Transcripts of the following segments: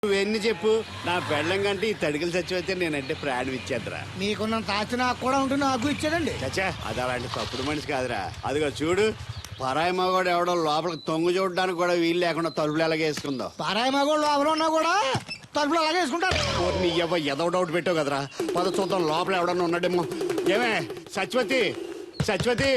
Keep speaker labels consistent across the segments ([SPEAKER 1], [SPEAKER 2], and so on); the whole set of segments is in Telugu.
[SPEAKER 1] నువ్వెన్ని చెప్పు, నా పెళ్ళం కంటే ఈ తడికలు చచ్చిపోతే నేనంటే ప్రాణం ఇచ్చేద్దరా.
[SPEAKER 2] మీకున్న తాచి నాకు కూడా ఉంటుంది, నాకు ఇచ్చాడండి.
[SPEAKER 1] చచ్చా, అది అలాంటి తప్పుడు మనిషి కాదురా. అదిగో చూడు, పరాయి మగవాడు ఎవడో లోపలికి తొంగు చూడడానికి కూడా వీలు లేకుండా తలుపులు ఎలాగేసుకుందో.
[SPEAKER 2] పరాయి మగోళ్ళు ఎవరు ఉన్నా కూడా తలుపులు అలాగే వేసుకుంటారు.
[SPEAKER 1] నీ ఏదో డౌట్ పెట్టావు కదరా. పద చూద్దాం లోపల ఎవడన్నా ఉన్నాడేమో. ఏమే సత్యవతి, సత్యవతి.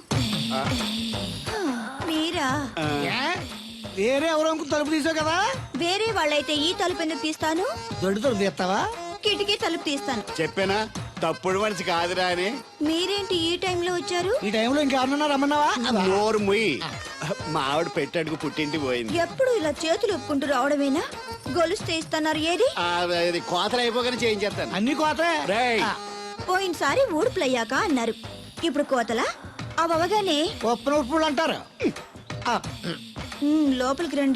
[SPEAKER 3] మీరా?
[SPEAKER 2] వేరే ఎవరో తలుపు తీసావు కదా.
[SPEAKER 3] వేరే వాళ్ళైతే ఈ తలుపు ఎందుకు తీస్తాను?
[SPEAKER 2] దొడ్డు తలుపు తీస్తావా?
[SPEAKER 3] కిటికీ తలుపు తీస్తాను.
[SPEAKER 1] చెప్పానా తప్పుడు మనిషి కాదురా అని.
[SPEAKER 3] మీరేంటి ఈ టైంలో వచ్చారు?
[SPEAKER 2] ఈ టైంలో ఇంకెవరన్నా రమ్మన్నావా?
[SPEAKER 1] నోరు ముయ్యి. మా ఆవిడ పెట్టాడుకు పుట్టింటి పోయింది.
[SPEAKER 3] ఎప్పుడు ఇలా చేతులు ఒప్పుకుంటూ రావడమేనా? గొలుస్తే ఇస్తున్నారు ఏది?
[SPEAKER 1] అది కోతలు అయిపోగానే చేయించేస్తాను.
[SPEAKER 2] అన్ని కోతే.
[SPEAKER 1] రేయ్,
[SPEAKER 3] పోయినసారి ఊడుపులయ్యాక అన్నారు, ఇప్పుడు కోతలా? అవగానే
[SPEAKER 2] ఉప్పులు ఉప్పులు అంటారు.
[SPEAKER 3] లోపలికి రండి.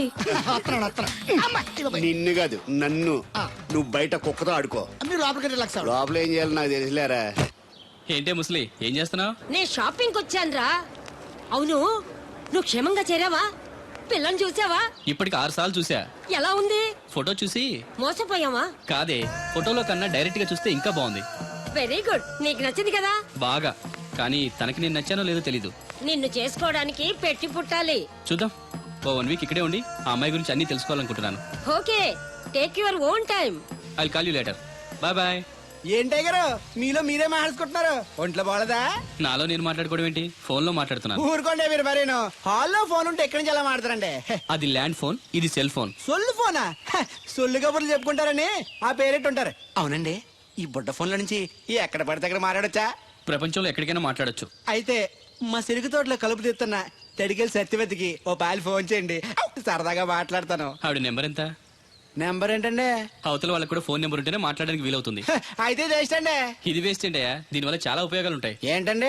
[SPEAKER 1] నిన్ను కాదు నన్ను. నువ్వు బయట కుక్కతో ఆడుకో.
[SPEAKER 2] మీరు లోపలికి లక్ష.
[SPEAKER 1] లోపల ఏం చేయాలి నాకు తెలిసిలేరా.
[SPEAKER 4] ఏంటే ముసలి, ఏం చేస్తున్నావు?
[SPEAKER 5] నేను షాపింగ్ వచ్చానురా. అవును, నువ్వు క్షేమంగా చేరావా? పిల్లని చూసావా?
[SPEAKER 4] ఇప్పటికి 6 సార్లు చూసా.
[SPEAKER 5] ఎలా ఉంది?
[SPEAKER 4] ఫోటో చూసి
[SPEAKER 5] మోసపోయావా?
[SPEAKER 4] కాదే, ఫోటోలో కన్నా డైరెక్ట్ గా చూస్తే ఇంకా బాగుంది.
[SPEAKER 5] వెరీ గుడ్, నీకు నచ్చింది కదా?
[SPEAKER 4] బాగా. కానీ తనకి నేను నచ్చానో లేదో తెలీదు.
[SPEAKER 5] నిన్ను చేసుకోవడానికి పెట్టి పుట్టాలి.
[SPEAKER 4] చూద్దాం. ఓ 1 వీక్ ఇక్కడే ఉండి ఆ అమ్మాయి గురించి అన్ని తెలుసుకోవాలనుకుంటున్నాను.
[SPEAKER 5] Okay, take your own time.
[SPEAKER 4] I call you later. Bye bye.
[SPEAKER 2] ఏంటే గారు మీలో మీరే మాట్లాడుకుంటున్నారు? ఒంట్లో బాగలదా?
[SPEAKER 4] నాలో నేను మాట్లాడుకోవడం ఏంటి? ఫోన్ లో మాట్లాడుతున్నాను.
[SPEAKER 2] ఊరుకోండి మీరు మరేను. హాల్లో ఫోన్ ఉంటే ఎక్కడి నుంచి ఎలా మాట్లాడతారండి?
[SPEAKER 4] అది ల్యాండ్ ఫోన్, ఇది సెల్ ఫోన్.
[SPEAKER 2] సొల్లు ఫోనా? సొల్లు కబుర్లు చెప్పుకుంటారని ఆ పేరెట్టు ఉంటారు.
[SPEAKER 6] అవునండి, ఈ బుడ్డ ఫోన్ల నుంచి ఎక్కడ పడితే అక్కడ మాట్లాడొచ్చా?
[SPEAKER 4] ప్రపంచంలో ఎక్కడికైనా మాట్లాడొచ్చు.
[SPEAKER 2] అయితే మా సిరుగు తోటలో కలుపు తీస్తున్న తడికెళ్ళి సత్యవతికి ఓ పాలు ఫోన్ చేయండి, సరదాగా మాట్లాడతాను.
[SPEAKER 4] ఆవిడ నెంబర్ ఎంత?
[SPEAKER 2] నెంబర్ ఏంటండి?
[SPEAKER 4] అవతల వాళ్ళకి కూడా ఫోన్ నెంబర్ ఉంటేనే మాట్లాడడానికి వీలవుతుంది.
[SPEAKER 2] అయితే చేస్తండి.
[SPEAKER 4] ఇది వేస్ట్ ఏంటయ్యా, దీనివల్ల చాలా ఉపయోగాలు ఉంటాయి.
[SPEAKER 2] ఏంటండి?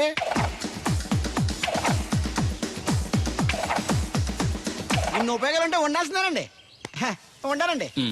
[SPEAKER 2] ఇన్ని ఉపయోగాలు ఉంటే ఉండాల్సిందేనండి. ఉండాలండి.
[SPEAKER 4] ఉమ్.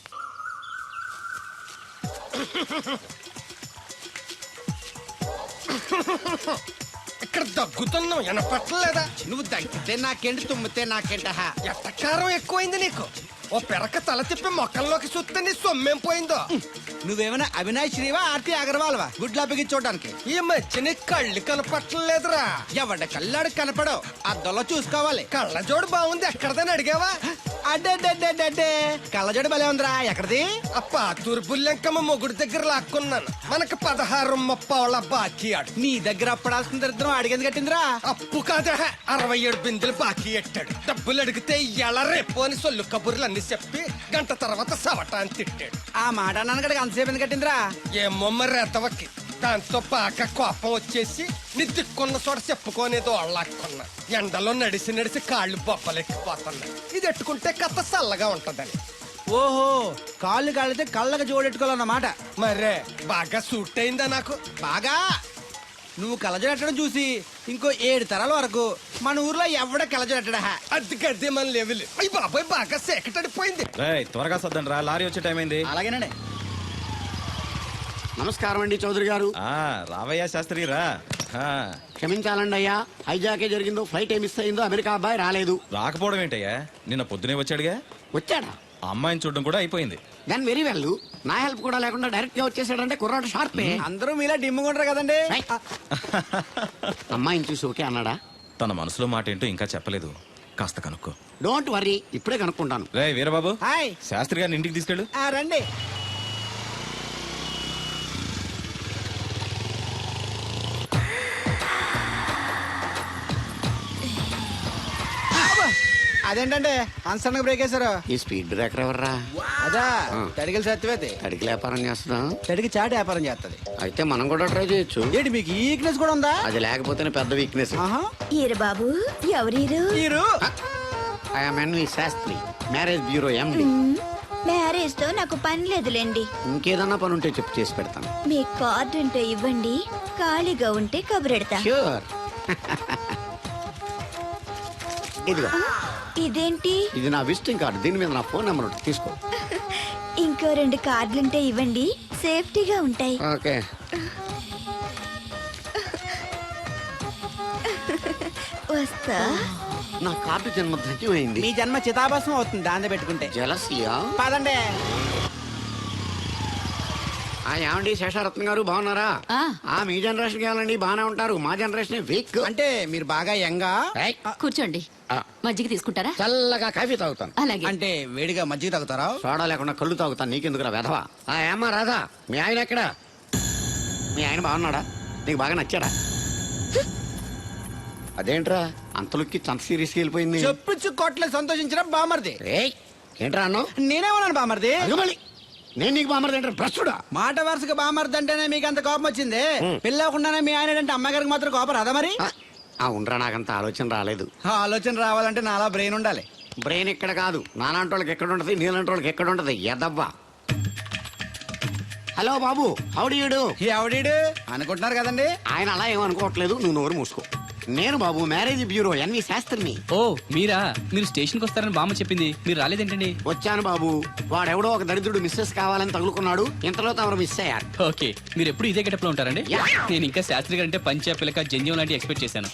[SPEAKER 7] ఇక్కడ దగ్గుతున్నావు వినపట్టలేదా?
[SPEAKER 6] నువ్వు దగ్గితే నాకేంటి, తుమ్మితే నాకేంట?
[SPEAKER 7] ఎట్టకారం ఎక్కువైంది నీకు. ఓ పెరక తల తిప్పి మొక్కల్లోకి చూస్తే నీ సొమ్మేం పోయిందో.
[SPEAKER 2] నువ్వేమైనా అవినాష్ శ్రీవా, ఆర్తి అగర్వాల్వా గుడ్లా చూడడానికి?
[SPEAKER 7] ఈ మధ్య నీ కళ్ళు కనపట్టలేదురా.
[SPEAKER 2] ఎవడ కళ్ళాడు కనపడవు, అద్దంలో చూసుకోవాలి.
[SPEAKER 7] కళ్ళజోడు బాగుంది, ఎక్కడదని అడిగావా?
[SPEAKER 2] అడ్డే కళ్ళజోడు భలే ఉందిరా. ఎక్కడిది?
[SPEAKER 7] ఆ పాతూరు బుల్లెంకమ్మ మొగుడు దగ్గర లాక్కున్నాను. మనకు 16 ముప్పావుల బాకీ ఆడు.
[SPEAKER 2] నీ దగ్గర అప్పడాల్సిన దరిద్రం అడిగింది కట్టిందిరా.
[SPEAKER 7] అప్పు కాదా, 67 బిందెలు బాకీ ఎట్టాడు. డబ్బులు అడిగితే ఎలా రేపు అని సొల్లు కబుర్లు అన్ని చెప్పి గంట తర్వాత సవటాన్ని తిట్టాడు.
[SPEAKER 2] ఆ మాట అన్నాను అంతసేపు ఎందుకు కట్టిందిరా?
[SPEAKER 7] ఏమో మరి ఎతవకి. దాంతో బాగా కోపం వచ్చేసి నీ దిక్కున్న చోట చెప్పుకోనేదో అళ్ళాక్కున్నా. ఎండలో నడిసి నడిసి కాళ్ళు బొబ్బలెక్కిపోతున్నాయి. ఇది ఎట్టుకుంటే కథ చల్లగా ఉంటదని.
[SPEAKER 2] ఓహో, కాళ్ళు కాళ్ళైతే కళ్ళకి జోడెట్టుకోవాలన్నమాట.
[SPEAKER 7] మరే బాగా సూట్ అయిందా నాకు?
[SPEAKER 2] బాగా. నువ్వు కళ్ళజోడెట్టడం చూసి ఇంకో 7 తరాల వరకు మన ఊర్లో ఎవడ కళ్ళజోడెట్టడా?
[SPEAKER 7] అది గడ్డి మన లెవెల్. అయ్యి బాబాయ్ బాగా సేకటడిపోయింది.
[SPEAKER 8] త్వరగా సర్దండి రా, లారీ వచ్చే టైం అయింది.
[SPEAKER 2] అలాగేనండి.
[SPEAKER 1] నమస్కారం అండి చౌదరి గారు.
[SPEAKER 8] రావయ్యా శాస్త్రి రా.
[SPEAKER 1] క్షమించాలండి అయ్యా, హైజాకే జరిగిందో, ఫ్లైట్ ఏమి మిస్ అయిందో, అమెరికా అబ్బాయి రాలేదు.
[SPEAKER 8] రాకపోవడం ఏంటయ్యా, నిన్న పొద్దునే వచ్చాడుగా.
[SPEAKER 1] వచ్చాడా?
[SPEAKER 8] ఆ అమ్మాయిని చూడడం కూడా అయిపోయింది.
[SPEAKER 1] దాని వెరీ వెల్. నా హెల్ప్ కూడా లేకుండా డైరెక్ట్ గా వచ్చేసాడంటే కుర్రాడు షార్పే.
[SPEAKER 2] అందరూ మీలా డిమ్ముకుంటారు కదండి.
[SPEAKER 1] అమ్మాయిని చూసి ఓకే అన్నాడా?
[SPEAKER 8] తన మనసులో మాట ఏంటో ఇంకా చెప్పలేదు, కాస్త కనుక్కో.
[SPEAKER 1] డోంట్ వరీ, ఇప్పుడే కనుక్కుంటాను.
[SPEAKER 8] రే వీరబాబు,
[SPEAKER 2] హాయ్.
[SPEAKER 8] శాస్త్రి గారిని ఇంటికి తీసుకెళ్ళు.
[SPEAKER 2] రండి. అదేంటంటే అన్సడన్ బ్రేక్ వేశారు?
[SPEAKER 1] ఈ స్పీడ్ బ్రేకర్ ఎవర్రా?
[SPEAKER 2] అదా తడికి సత్యవేతి.
[SPEAKER 1] తడికి వ్యాపారం చేస్తున్నాం.
[SPEAKER 2] తడికి చాటి వ్యాపారం చేస్తది.
[SPEAKER 1] అయితే మనం కూడా ట్రై చేయొచ్చు.
[SPEAKER 2] ఏంటి మీకు ఈ వీక్నెస్ కూడా ఉందా?
[SPEAKER 1] అది లేకపోతేనే పెద్ద వీక్నెస్.
[SPEAKER 3] ఈరు బాబు, ఎవరీరు?
[SPEAKER 2] మీరు?
[SPEAKER 1] I'm N V Shastri, marriage bureau MD.
[SPEAKER 3] Marriage తో నాకు పని లేదులేండి.
[SPEAKER 1] ఇంకేదన్నా పని ఉంటే చెప్పు, చేసి పెడతాను.
[SPEAKER 3] మీ కార్డు ఉంటే ఇవ్వండి, ఖాళీగా ఉంటే కబురెడతా.
[SPEAKER 1] ష్యూర్. ఇదిగో.
[SPEAKER 3] ఇదేంటి?
[SPEAKER 1] ఇది నా విజిటింగ్ కార్డు, దీని మీద నా ఫోన్ నెంబర్ ఉంటుంది, తీసుకో.
[SPEAKER 3] ఇంకో 2 కార్డులుంటే ఇవ్వండి, సేఫ్టీగా ఉంటాయి.
[SPEAKER 1] ఓకే.
[SPEAKER 3] వస్తా.
[SPEAKER 1] నా కార్డు జన్మ ధన్యమైంది.
[SPEAKER 2] మీ జన్మ చితాభస్మం అవుతుంది దాన్ని పెట్టుకుంటే.
[SPEAKER 1] జలసియా?
[SPEAKER 2] పదండి.
[SPEAKER 1] ఏమండి శేషారత్న గారు బాగున్నారా? మీ జనరేషన్ కావాలండి బాగానే ఉంటారు, మా జనరేషన్ వీక్.
[SPEAKER 2] అంటే మీరు బాగా యంగా?
[SPEAKER 5] కూర్చోండి. మజ్జిగ తీసుకుంటారా?
[SPEAKER 1] చల్లగా కాఫీ తాగుతాను.
[SPEAKER 5] అలాగే.
[SPEAKER 2] అంటే వేడిగా మజ్జిగ తాగుతారా?
[SPEAKER 1] సోడా లేకుండా కళ్ళు తాగుతాను, నీకెందుకురా వెధవా? ఏమ్మా రాధా, మీ ఆయన ఎక్కడా? మీ ఆయన బాగున్నాడా? నీకు బాగా నచ్చాడా? అదేంట్రా అంతలోకి చంత సీరియస్కి వెళ్ళిపోయింది?
[SPEAKER 2] చెప్పుచ్చు కొట్ల సంతోషించిన బామర్ది.
[SPEAKER 1] ఏయ్, ఏంట్రా అన్నావు?
[SPEAKER 2] నేనేమన్నాను బామర్ది?
[SPEAKER 1] అగమలి, నేను నీకు బామర్ది ఏంట్రా భ్రష్టుడా?
[SPEAKER 2] మాట వరుసగా బామర్ది అంటేనే మీకు అంత కోపం వచ్చింది. పిల్లకుండానే మీ ఆయన అంటే అమ్మగారికి మాత్రం కోపం రాదా మరి?
[SPEAKER 1] ఉండరా, నాకంత ఆలోచన రాలేదు.
[SPEAKER 2] ఆ ఆలోచన రావాలంటే నాలా బ్రెయిన్ ఉండాలి.
[SPEAKER 1] బ్రెయిన్ ఇక్కడ కాదు, నాలాంటి వాళ్ళకి ఎక్కడ ఉంటది, నీలాంటి వాళ్ళకి ఎక్కడ ఉంటది ఎదవ్వా. హలో బాబు, హౌడీయుడు.
[SPEAKER 2] ఎవడీడు అనుకుంటున్నారు కదండి.
[SPEAKER 1] ఆయన అలా ఏమనుకోవట్లేదు, నువ్వు నోరు మూసుకో. నేను బాబు మ్యారేజ్ బ్యూరో ఎన్వి శాస్త్రిని.
[SPEAKER 4] ఓ మీరా? మీరు స్టేషన్కి వస్తారని బామ్మ చెప్పింది, మీరు రాలేదేంటండి?
[SPEAKER 1] వచ్చాను బాబు, వాడెవడో ఒక దరిద్రుడు మిస్సెస్ కావాలని తగులుకున్నాడు, ఇంతలో తమరు మిస్ అయ్యారు.
[SPEAKER 4] ఓకే, మీరు ఎప్పుడు ఇదే గెటప్ లో ఉంటారండి?
[SPEAKER 1] Yeah.
[SPEAKER 4] నేను ఇంకా శాస్త్రి గారు అంటే పంచ పిలక జంజం లాంటి ఎక్స్పెక్ట్ చేశాను.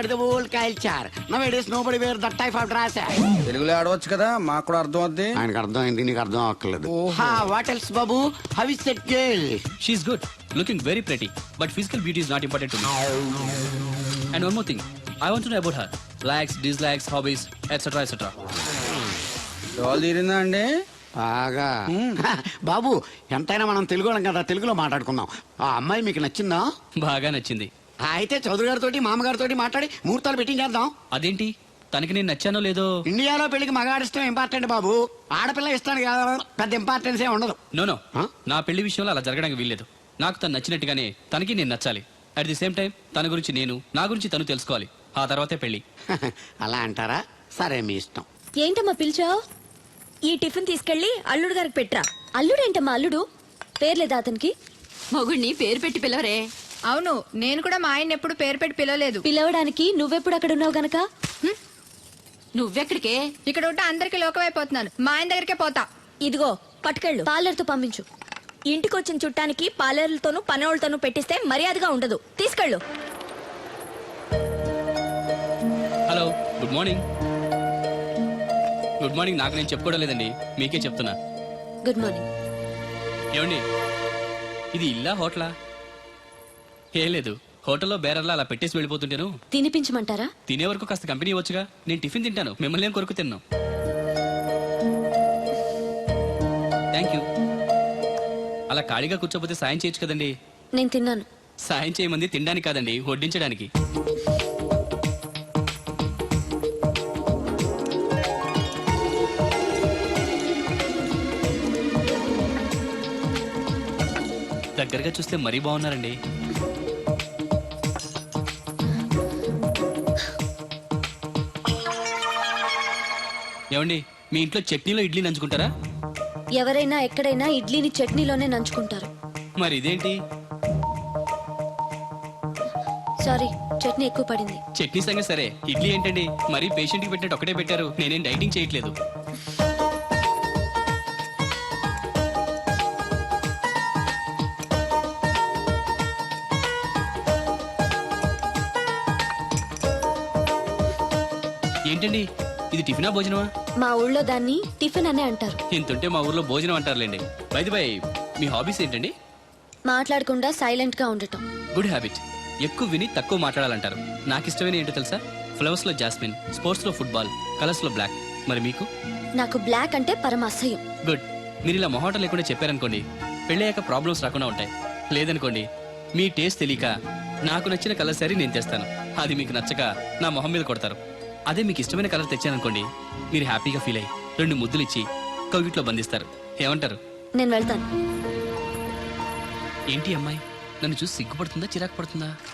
[SPEAKER 2] తెలుగులో ఆడవచ్చు కదా, మాకు కూడా అర్థం అవుద్ది.
[SPEAKER 1] ఆయనకు అర్థమైంది, నీకు అర్థం అవ్వట్లేదు. వాట్ ఎల్స్ బాబు, how is that girl?
[SPEAKER 4] She is good, looking very pretty, but physical beauty is not important to me. And one more thing, I want to know about her likes, dislikes, hobbies, etcetera etcetera.
[SPEAKER 2] డోల్ తీరిందా అండి?
[SPEAKER 1] బాగా. బాబు ఎంతైనా మనం తెలుగు వాళ్ళం కదా, తెలుగులో మాట్లాడుకుందాం. ఆ అమ్మాయి మీకు నచ్చిందా?
[SPEAKER 4] బాగా నచ్చింది.
[SPEAKER 1] అయితే చౌదరి గారితో మామగారితో మాట్లాడి ముహూర్తాలు పెట్టించేద్దాం.
[SPEAKER 4] అదేంటి, తనకి నేను నచ్చానో లేదో?
[SPEAKER 1] ఇండియాలో పెళ్లికి మగాడిష్టం ఇంపార్టెంట్ బాబు, ఆడపిల్ల ఇష్టానికి పెద్ద ఇంపార్టెన్స్ ఏ ఉండదు.
[SPEAKER 4] No
[SPEAKER 1] Huh?
[SPEAKER 4] నా పెళ్లి విషయంలో అలా జరగడానికి వీల్లేదు. నాకు తను నచ్చినట్టుగానే తనకి నేను నచ్చాలి. అట్ ది సేమ్ టైం తన గురించి నేను, నా గురించి తను తెలుసుకోవాలి. ఆ తర్వాతే పెళ్లి.
[SPEAKER 1] అలా అంటారా? సరే మీ ఇష్టం.
[SPEAKER 3] ఏంటమ్మా పిలిచావు? ఈ టిఫిన్ తీసుకెళ్లి అల్లుడు గారికి పెట్టరా. అల్లుడేంటమ్మా అల్లుడు? పేర్లేదా అతనికి?
[SPEAKER 5] మొగుడిని పేరు పెట్టి పిలవరే.
[SPEAKER 9] అవును, నేను కూడా మా ఆయన ఎప్పుడు పేరు పెట్టి పిలవలేదు.
[SPEAKER 3] పిలవడానికి నువ్వెప్పుడు అక్కడ ఉన్నావు గనక.
[SPEAKER 5] నువ్వెక్కడికే?
[SPEAKER 9] ఇక్కడ ఉంటే అందరికి లోకమైపోతున్నాను. మా ఆయన దగ్గరికే పోతా.
[SPEAKER 3] ఇదిగో పట్టుకెళ్ళు, పార్లర్తో పంపించు. ఇంటికొచ్చిన చుట్టానికి పార్లర్లతోనూ పనోళ్ళతోనూ పెట్టిస్తే మర్యాదగా ఉండదు. తీసుకెళ్ళు.
[SPEAKER 4] Hello, good morning. Good morning నాకు నేను చెప్పుకోవడం లేదండి, మీకే చెప్తున్నా.
[SPEAKER 3] Good morning.
[SPEAKER 4] ఏమండి, ఇది ఇల్లా హోటలా? ఏం లేదు, హోటల్లో బేరర్లా అలా పెట్టేసి వెళ్ళిపోతుంటేను.
[SPEAKER 3] తినిపించమంటారా?
[SPEAKER 4] తినే వరకు కాస్త కంపెనీ ఇవ్వచ్చుగా. నేను టిఫిన్ తింటాను, మిమ్మల్ని ఏం కొరకు తిన్నాను. Thank you. అలా ఖాళీగా కూర్చోపోతే సాయం చేయొచ్చు కదండి.
[SPEAKER 3] నేను తిన్నాను.
[SPEAKER 4] సాయం చేయమంది తినడానికి కాదండి, వడ్డించడానికి. దగ్గరగా చూస్తే మరీ బాగున్నారండి. ఏమండి, మీ ఇంట్లో చట్నీలో ఇడ్లీ నంచుకుంటారా?
[SPEAKER 3] ఎవరైనా ఎక్కడైనా ఇడ్లీని చట్నీలోనే నంచుకుంటారు.
[SPEAKER 4] మరి ఇదేంటి?
[SPEAKER 3] సారీ, చట్నీ ఎక్కువ పడింది.
[SPEAKER 4] చట్నీ సంగతి సరే, ఇడ్లీ ఏంటండి మరీ పేషెంట్కి పెట్టినట్టు ఒకటే పెట్టారు. నేనేం డైటింగ్ చేయట్లేదు. ఏంటండి, ఇది టిఫినా భోజనమా?
[SPEAKER 3] మా ఊళ్ళో దాన్ని టిఫిన్ అనే అంటారు.
[SPEAKER 4] ఇంతుంటే మా ఊర్లో భోజనం అంటారులేండి. బై ది బై, మీ హాబీస్ ఏంటండి?
[SPEAKER 3] మాట్లాడకుండా సైలెంట్ గా ఉండటం.
[SPEAKER 4] Good habit. ఎక్కువ విని తక్కువ మాట్లాడాలంటారు. నాకు ఇష్టమైన ఏంటో తెలుసా? ఫ్లవర్స్ లో జాస్మిన్, స్పోర్ట్స్ లో ఫుట్బాల్, కలర్స్ లో బ్లాక్. మరి మీకు?
[SPEAKER 3] నాకు బ్లాక్ అంటే పరమ అసహ్యం.
[SPEAKER 4] గుడ్. మీరు ఇలా మొహాటం లేకుండా చెప్పారనుకోండి, పెళ్ళయ్యాక ప్రాబ్లమ్స్ రాకుండా ఉంటాయి. లేదనుకోండి, మీ టేస్ట్ తెలియక నాకు నచ్చిన కలర్ సారీ నేను తెస్తాను, అది మీకు నచ్చక నా మొహం మీద కొడతారు. అదే మీకు ఇష్టమైన కలర్ తెచ్చాననుకోండి, మీరు హ్యాపీగా ఫీల్ అయ్యి 2 ముద్దులు ఇచ్చి కవిట్లో బంధిస్తారు. ఏమంటారు?
[SPEAKER 3] నేను వెళ్తాను.
[SPEAKER 4] ఏంటి అమ్మాయి, నన్ను చూసి సిగ్గుపడుతుందా చిరాకు పడుతుందా?